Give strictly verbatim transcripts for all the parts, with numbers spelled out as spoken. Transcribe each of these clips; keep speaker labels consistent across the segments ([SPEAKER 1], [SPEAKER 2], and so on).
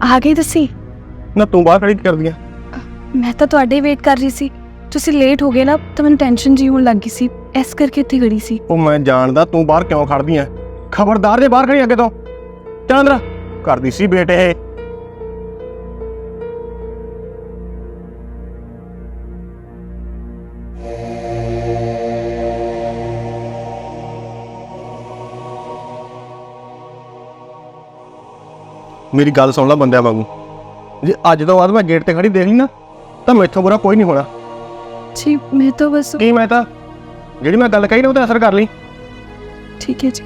[SPEAKER 1] ਆ ਗਈ ਤੁਸੀਂ?
[SPEAKER 2] ਨਾ ਤੂੰ ਬਾਹਰ ਖੜੀ ਕੀ ਕਰਦੀ ਆ?
[SPEAKER 1] ਮੈਂ ਤਾਂ ਤੁਹਾਡੇ ਵੇਟ ਕਰ ਰਹੀ ਸੀ। ਤੁਸੀਂ ਲੇਟ ਹੋ ਗਏ ਨਾ ਤਾਂ ਮੈਨੂੰ ਟੈਨਸ਼ਨ ਜੀ ਹੋਣ ਲੱਗੀ ਸੀ, ਇਸ ਕਰਕੇ ਇੱਥੇ ਖੜੀ ਸੀ।
[SPEAKER 2] ਉਹ ਮੈਂ ਜਾਣਦਾ ਤੂੰ ਬਾਹਰ ਕਿਉਂ ਖੜਦੀ ਆ। ਖਬਰਦਾਰ ਜੇ ਬਾਹਰ ਖੜੀ ਅੱਗੇ ਤੋਂ। ਚੱਲ ਅੰਦਰ ਕਰਦੀ ਸੀ ਬੇਟੇ ਇਹ। मेरी गल सुन ला बंदे वांगू, जे अज तो बाद मैं गेट ते खड़ी देख ली ना तो मैथों बुरा कोई नहीं होना।
[SPEAKER 1] जी मैं तो बस
[SPEAKER 2] की मैं तो जिहड़ी मैं गल कही ना उहते असर कर ली।
[SPEAKER 1] ठीक है जी।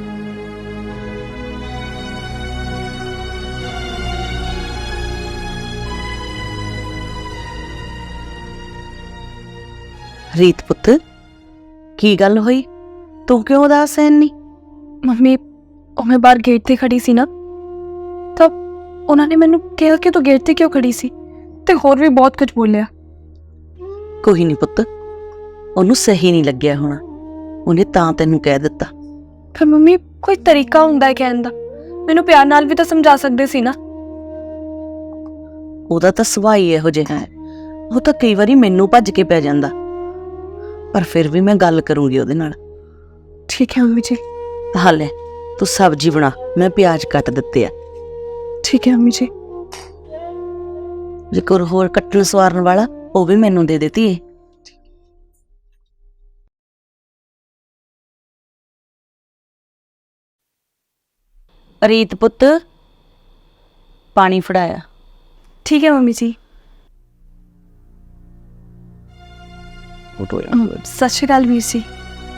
[SPEAKER 3] रीत पुत की गल हुई, तू क्यों उदास है इन्नी?
[SPEAKER 1] मम्मी मैं बाहर गेट ते खड़ी सी ना, तब उन्होंने मैनू कहा कि तू गेट ते क्यों खड़ी सी, ते होर भी बहुत कुछ बोलिया।
[SPEAKER 3] कोई नहीं पुत, ओनू सही नहीं लग्या होना, उन्हें तां तैनू कह दिता।
[SPEAKER 1] फिर मम्मी कोई तरीका हुंदा है कहण दा, मैनू प्यार नाल भी तो समझा सकदे सी ना।
[SPEAKER 3] ओहदा तां सुभाਅ ही इहो जिहा है, ਉਹ ਤਾਂ ਕਈ ਵਾਰੀ ਮੈਨੂੰ ਭੱਜ ਕੇ ਪੈ ਜਾਂਦਾ, पर फिर भी मैं गल करूंगी ਉਹਦੇ ਨਾਲ।
[SPEAKER 1] ठीक है मम्मी जी।
[SPEAKER 3] हां ले तू सब्जी बना, मैं प्याज कट दिते आ।
[SPEAKER 1] ठीक है मम्मी जी।
[SPEAKER 3] जे कोई होर कट्टण सवारन वाला ਉਹ भी मैनू दे देती है। रीत पुत पानी फड़ाया।
[SPEAKER 1] ठीक है मम्मी जी। सत श्री अकाल वीर जी।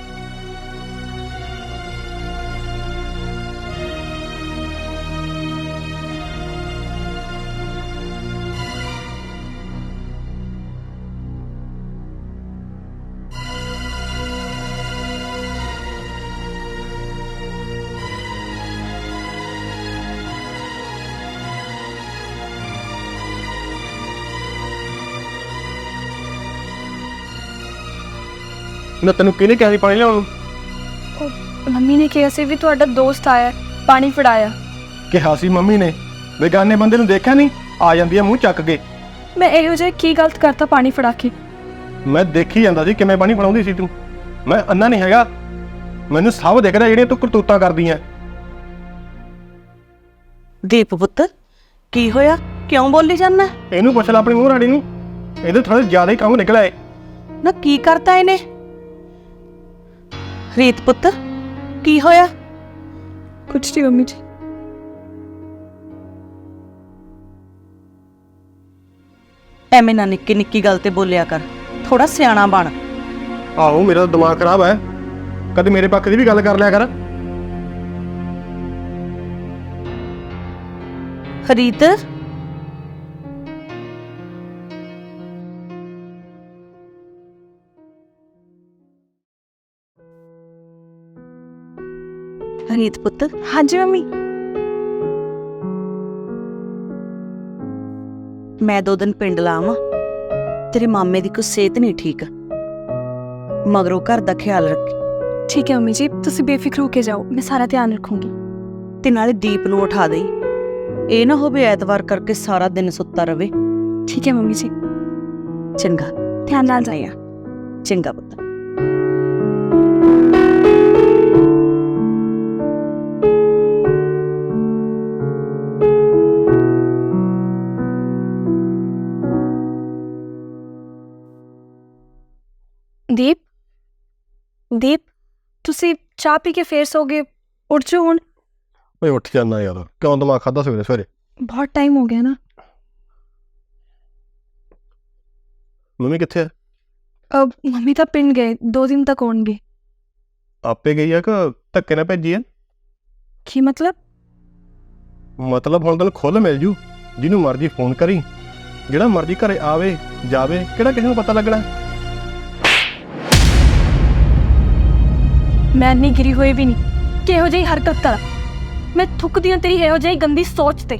[SPEAKER 2] ना तेन किहने कहा सी पानी लियाउण?
[SPEAKER 1] मम्मी ने कहा सी भी तुहाडा दोस्त आया पानी फड़ाया।
[SPEAKER 2] कहा सी मम्मी ने? बेगाने बंदे नूं देखिया नहीं, आ जांदी है मूँह चक के।
[SPEAKER 1] मैं इहो जिहा की गलत करता पानी फड़ा के?
[SPEAKER 2] मैं देखी जांदा सी किवें पानी फड़ाउंदी सी तूं। मैं अन्ना नहीं हैगा, मैनूं सब दिखदा जिहड़ियां तूं करतूतां करदी है।
[SPEAKER 3] दीप पुत की होया, क्यों बोली जाना?
[SPEAKER 2] इहनूं पुछ लै अपनी मूँह राणी नूं, इहदे थोड़ा ज्यादा ही काम निकलिआ है।
[SPEAKER 3] ना की करता इहने? रीत पुत की होया?
[SPEAKER 1] कुछ नहीं मम्मी जी।
[SPEAKER 3] एवें ना निक्की निक्की गल ते बोलिया कर, थोड़ा सियाणा बन।
[SPEAKER 2] आहो मेरा तो दिमाग खराब है, कदे मेरे पक्ष की भी गल कर लिया कर।
[SPEAKER 3] रीत रीत पुत।
[SPEAKER 1] हाँ जी मम्मी।
[SPEAKER 3] मैं दो दिन पिंड लावां, तेरे मामे दी कुछ सेहत नहीं ठीक, मगरों घर दा ख्याल रखी।
[SPEAKER 1] ठीक है मम्मी जी, तुसी बेफिक्र होके जाओ, मैं सारा ध्यान रखूंगी।
[SPEAKER 3] ते नाले दीप नूं उठा दई, ਇਹ ਨਾ ਹੋਵੇ ਐਤਵਾਰ ਕਰਕੇ ਸਾਰਾ ਦਿਨ ਸੁੱਤਾ ਰਵੇ।
[SPEAKER 1] ठीक है मम्मी जी।
[SPEAKER 3] ਚੰਗਾ
[SPEAKER 1] ध्यान नाल जाइए।
[SPEAKER 3] ਚੰਗਾ ਪੁੱਤ।
[SPEAKER 1] दीप दीप तुसी चाह पी के फिर सोगे, उठ जाओ हुण।
[SPEAKER 2] ओए उठ जाना यार, क्यों दिमाग खादा सवेरे सवेरे?
[SPEAKER 1] बहुत टाइम हो गया ना।
[SPEAKER 2] मम्मी कित्थे है?
[SPEAKER 1] अब मम्मी तो पिंड गए, दो दिन तक होणगे।
[SPEAKER 2] आपे गई है कि धक्के ना भेजी है?
[SPEAKER 1] की मतलब?
[SPEAKER 2] मतलब हुण तैनूं खुल मिल जू, जिन्हों मर्जी फोन करी, जिहड़ा मर्जी घरे आवे जावे, किहड़ा किसी नूं पता लगना?
[SPEAKER 1] मैं इन्नी गिरी हुई भी नहीं कि इहो जिही हरकत करा। मैं थुकदी हां तेरी इहो जिही गंदी सोच ते।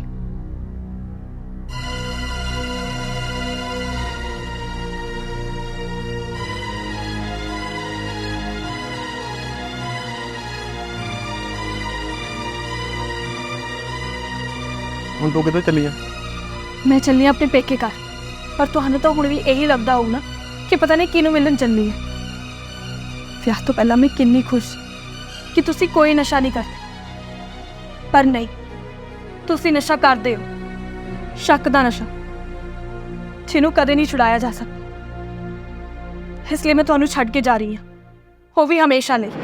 [SPEAKER 2] ਹੁਣ ਤੂੰ ਕਿੱਥੇ ਚੱਲੀ ਆ?
[SPEAKER 1] ਮੈਂ ਚੱਲੀ ਹਾਂ ਆਪਣੇ ਪੇਕੇ ਘਰ, ਪਰ ਤੁਹਾਨੂੰ ਤਾਂ ਹੁਣ ਵੀ ਇਹੀ ਲੱਗਦਾ ਹੋਊ ਨਾ ਕਿ ਪਤਾ ਨਹੀਂ ਕਿਹਨੂੰ ਮਿਲਣ ਚੱਲੀ ਹੈ। ਵਿਆਹ ਤੋਂ ਪਹਿਲਾਂ ਮੈਂ ਕਿੰਨੀ ਖੁਸ਼ ਕਿ ਤੁਸੀਂ ਕੋਈ ਨਸ਼ਾ ਨਹੀਂ ਕਰਦੇ, ਪਰ ਨਹੀਂ, ਤੁਸੀਂ ਨਸ਼ਾ ਕਰਦੇ ਹੋ, ਸ਼ੱਕ ਦਾ ਨਸ਼ਾ, ਜਿਹਨੂੰ ਕਦੇ ਨਹੀਂ ਛੁਡਾਇਆ ਜਾ ਸਕਦਾ। ਇਸ ਲਈ ਮੈਂ ਤੁਹਾਨੂੰ ਛੱਡ ਕੇ ਜਾ ਰਹੀ ਹਾਂ, ਉਹ ਵੀ ਹਮੇਸ਼ਾ ਲਈ।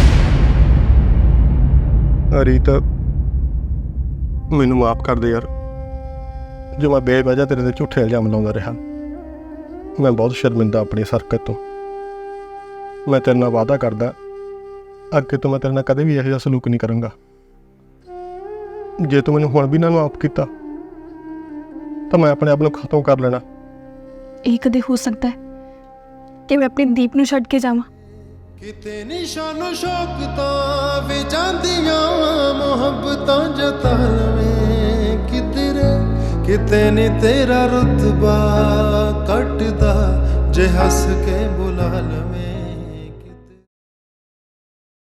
[SPEAKER 2] ਰੀਤ, ਮੈਨੂੰ ਮਾਫ ਕਰ ਦੇ ਯਾਰ, ਜੋ ਮੈਂ ਬੇਵਜ੍ਹਾ ਤੇਰੇ ਤੇ ਝੂਠੇ ਇਲਜ਼ਾਮ ਲਾਉਂਦਾ ਰਿਹਾ। ਮੈਂ ਬਹੁਤ ਸ਼ਰਮਿੰਦਾ ਆਪਣੀ ਇਸ ਹਰਕਤ ਤੋਂ। ਮੈਂ ਤੇਰੇ ਨਾਲ ਵਾਅਦਾ ਕਰਦਾ, ਅੱਗੇ ਤੋਂ ਮੈਂ ਤੇਰੇ ਨਾਲ ਕਦੇ ਵੀ ਇਹੋ ਜਿਹਾ ਸਲੂਕ ਨਹੀਂ ਕਰਾਂਗਾ। ਜੇ ਤੂੰ ਮੈਨੂੰ ਹੁਣ ਵੀ ਨਾ ਮਾਫ ਕੀਤਾ ਤਾਂ ਮੈਂ ਆਪਣੇ ਆਪ ਨੂੰ ਖਤਮ ਕਰ ਲੈਣਾ।
[SPEAKER 1] ਇਹ ਕਦੇ ਹੋ ਸਕਦਾ ਹੈ ਕਿ ਮੈਂ ਆਪਣੀ ਦੀਪ ਨੂੰ ਛੱਡ ਕੇ ਜਾਵਾਂ?
[SPEAKER 4] ਕਿਤੇ ਨਿਸ਼ਾਨੋ ਸ਼ੌਕਤਾਂ ਵੇ ਜਾਂਦੀਆਂ ਮੁਹੱਬਤਾਂ ਜਤਾ ਲਵੇਂ ਕਿਧਰੇ, ਕਿਤੇ ਨੀ ਤੇਰਾ ਰੁਤਬਾ ਘਟਦਾ ਜੇ ਹੱਸ ਕੇ ਬੁਲਾ ਲਵੇਂ।